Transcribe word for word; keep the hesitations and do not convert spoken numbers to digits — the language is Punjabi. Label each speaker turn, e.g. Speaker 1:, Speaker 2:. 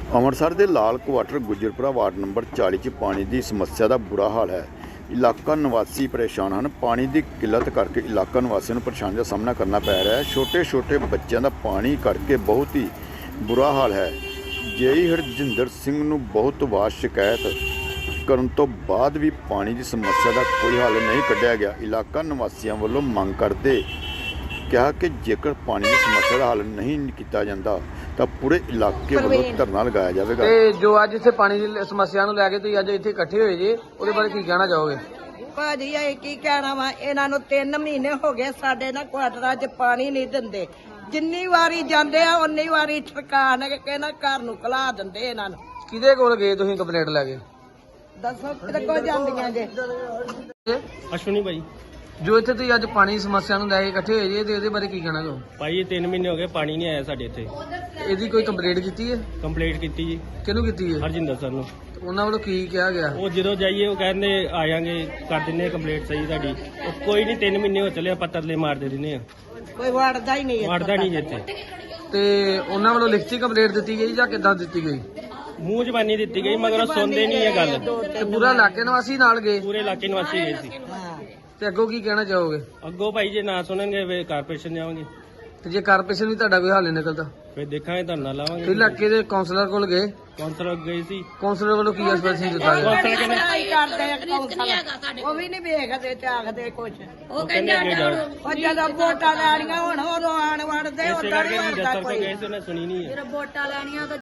Speaker 1: ਅੰਮ੍ਰਿਤਸਰ ਦੇ ਲਾਲ ਕੁਆਟਰ ਗੁਜਰਪੁਰਾ ਵਾਰਡ ਨੰਬਰ ਚਾਲੀ 'ਚ ਪਾਣੀ ਦੀ ਸਮੱਸਿਆ ਦਾ ਬੁਰਾ ਹਾਲ ਹੈ। ਇਲਾਕਾ ਨਿਵਾਸੀ ਪਰੇਸ਼ਾਨ ਹਨ। ਪਾਣੀ ਦੀ ਕਿੱਲਤ ਕਰਕੇ ਇਲਾਕਾ ਨਿਵਾਸੀਆਂ ਨੂੰ ਪਰੇਸ਼ਾਨੀ ਦਾ ਸਾਹਮਣਾ ਕਰਨਾ ਪੈ ਰਿਹਾ ਹੈ। ਛੋਟੇ ਛੋਟੇ ਬੱਚਿਆਂ ਦਾ ਪਾਣੀ ਕਰਕੇ ਬਹੁਤ ਹੀ ਬੁਰਾ ਹਾਲ ਹੈ। ਜੇਈ ਹਰਜਿੰਦਰ ਸਿੰਘ ਨੂੰ ਬਹੁਤ ਵਾਰ ਸ਼ਿਕਾਇਤ ਕਰਨ ਤੋਂ ਬਾਅਦ ਵੀ ਪਾਣੀ ਦੀ ਸਮੱਸਿਆ ਦਾ ਕੋਈ ਹੱਲ ਨਹੀਂ ਕੱਢਿਆ ਗਿਆ। ਇਲਾਕਾ ਨਿਵਾਸੀਆਂ ਵੱਲੋਂ ਮੰਗ ਕਰਦੇ ਕਿਹਾ ਕਿ ਜੇਕਰ ਪਾਣੀ ਦੀ ਸਮੱਸਿਆ ਦਾ ਹੱਲ ਨਹੀਂ ਕੀਤਾ ਜਾਂਦਾ ਤਾਂ ਪੂਰੇ ਇਲਾਕੇ ਵੱਲੋਂ ਧਰਨਾ ਲਗਾਇਆ ਜਾਵੇਗਾ।
Speaker 2: ਤੇ ਜੋ ਅੱਜ ਇੱਥੇ ਪਾਣੀ ਦੀ ਸਮੱਸਿਆ ਨੂੰ ਲੈ ਕੇ ਤੁਸੀਂ ਅੱਜ ਇੱਥੇ ਇਕੱਠੇ ਹੋਏ ਜੇ, ਉਹਦੇ ਬਾਰੇ ਕੀ ਕਹਿਣਾ ਚਾਹੋਗੇ?
Speaker 3: ਭਾਜੀ ਇਹ ਕੀ ਕਹਿਣਾ ਵਾ, ਇਹਨਾਂ ਨੂੰ ਤਿੰਨ ਮਹੀਨੇ ਹੋ ਗਏ ਸਾਡੇ ਨਾ ਕੁਆਟਰਾਂ 'ਚ ਪਾਣੀ ਨਹੀਂ ਦਿੰਦੇ। ਜਿੰਨੀ ਵਾਰੀ ਜਾਂਦੇ ਆ ਉਨੀ ਵਾਰੀ ਠਰਕਾਣ ਕੇ ਕਹਿੰਦਾ ਘਰ ਨੂੰ ਕਲਾ ਦਿੰਦੇ ਇਹਨਾਂ ਨੂੰ।
Speaker 2: ਕਿਹਦੇ ਕੋਲ ਗਏ ਤੁਸੀਂ ਕੰਪਲੇਂਟ ਲੈ ਕੇ?
Speaker 3: ਦੱਸੋ ਕਿਹਦੇ ਕੋਲ ਜਾਂਦੀਆਂ ਜੇ?
Speaker 4: ਅਸ਼ਵਨੀ ਭਾਈ
Speaker 2: ਜੋ ਇੱਥੇ ਤੁਸੀਂ ਅੱਜ ਪਾਣੀ ਦੀ ਸਮੱਸਿਆ ਨੂੰ ਲੈ ਕੇ ਇਕੱਠੇ ਹੋਏ ਜੇ, ਤੇ ਇਹਦੇ ਬਾਰੇ ਕੀ ਕਹਿਣਾ ਚਾਹੋ?
Speaker 4: ਭਾਈ ਇਹ ਤਿੰਨ ਮਹੀਨੇ ਹੋ ਗਏ ਪਾਣੀ ਨਹੀਂ ਆਇਆ ਸਾਡੇ ਇੱਥੇ।
Speaker 2: ਇਹਦੀ ਕੋਈ ਕੰਪਲੇਂਟ ਕੀਤੀ ਹੈ?
Speaker 4: ਕੰਪਲੀਟ ਕੀਤੀ ਜੀ
Speaker 2: ਕਿਹਨੂੰ ਕੀਤੀ ਹੈ?
Speaker 4: ਹਰਜਿੰਦਰ ਸਰ ਨੂੰ।
Speaker 2: ਤੇ ਉਹਨਾਂ ਵੱਲੋਂ ਕੀ ਕਿਹਾ ਗਿਆ?
Speaker 4: ਉਹ ਜਦੋਂ ਜਾਈਏ ਉਹ ਕਹਿੰਦੇ ਆ ਜਾਾਂਗੇ, ਕਰ ਦਿੰਦੇ ਕੰਪਲੀਟ ਸਹੀ ਤੁਹਾਡੀ। ਉਹ ਕੋਈ ਨਹੀਂ, ਤਿੰਨ ਮਹੀਨੇ ਹੋ ਚੱਲੇ ਆਪਾਂ ਤਰਲੇ ਮਾਰਦੇ ਦਿੰਦੇ ਆ,
Speaker 3: ਕੋਈ ਵੜਦਾ ਹੀ ਨਹੀਂ
Speaker 4: ਵੜਦਾ ਨਹੀਂ ਇੱਥੇ।
Speaker 2: ਤੇ ਉਹਨਾਂ ਵੱਲੋਂ ਲਿਖਤੀ ਕੰਪਲੇਂਟ ਦਿੱਤੀ ਗਈ ਜਾਂ ਕਿੱਦਾਂ ਦਿੱਤੀ ਗਈ?
Speaker 4: ਮੂੰਹ ਜ਼ਬਾਨੀ ਦਿੱਤੀ ਗਈ ਮਗਰ ਉਹ ਸੁਣਦੇ ਨਹੀਂ ਇਹ ਗੱਲ।
Speaker 2: ਤੇ ਪੂਰਾ ਇਲਾਕੇ ਨਿਵਾਸੀ ਨਾਲ ਗਏ?
Speaker 4: ਪੂਰੇ ਇਲਾਕੇ ਨਿਵਾਸੀ ਗਏ ਸੀ।
Speaker 2: ਤੇ ਅੱਗੋਂ ਕੀ ਕਹਿਣਾ ਚਾਹੋਗੇ?
Speaker 4: ਅੱਗੋਂ ਭਾਈ ਜੇ ਨਾ ਸੁਣਨਗੇ ਵੇ ਕਾਰਪੋਰੇਸ਼ਨ ਜਾਵਾਂਗੇ।
Speaker 2: ਤੇ ਜੇ ਕਾਰਪੋਰੇਸ਼ਨ ਵੀ ਤੁਹਾਡਾ ਕੋਈ ਹੱਲ ਨਹੀਂ ਨਿਕਲਦਾ
Speaker 4: ਫਿਰ ਦੇਖਾਂਗੇ, ਧਰਨਾ
Speaker 2: ਤੇ
Speaker 4: ਲਾਵਾਂਗੇ।
Speaker 2: ਇਲਾਕੇ ਦੇ ਕਾਉਂਸਲਰ ਕੋਲ ਗਏ?
Speaker 4: ਕੌਂਸਲਰ ਗਏ ਸੀ,
Speaker 2: ਕਾਉਂਸਲਰ ਵੱਲੋਂ ਕੀ ਐਸਪੀਰੇਸ਼ਨ ਦਿੱਤਾ ਗਿਆ?
Speaker 4: ਕੌਂਸਲਰ ਕਹਿੰਦੇ
Speaker 3: ਕਰਦੇ ਆ ਕੌਂਸਲ, ਉਹ ਵੀ ਨਹੀਂ ਵੇਖਦੇ ਚਾਖਦੇ ਕੁਛ।
Speaker 4: ਉਹ ਕਹਿੰਦੇ ਅੱਗੇ ਜਾਓ।
Speaker 3: ਉਹ ਜਦੋਂ ਵੋਟਾਂ ਲੈਣੀਆਂ ਹੁਣ ਉਦੋਂ ਆਣ ਵੜਦੇ
Speaker 4: ਇਸੇ
Speaker 3: ਉਦੋਂ
Speaker 4: ਕਰਕੇ
Speaker 3: ਨਹੀਂ
Speaker 4: ਅਸੀਂ
Speaker 3: ਵੜਦਾ
Speaker 4: ਦਫ਼ਤਰ ਤੋਂ
Speaker 3: ਕੋਈ।
Speaker 4: ਗਏ ਸੀ, ਉਹਨੇ ਸੁਣੀ ਨਹੀਂ ਹੈ।
Speaker 3: ਵੋਟਾਂ ਲੈਣੀਆਂ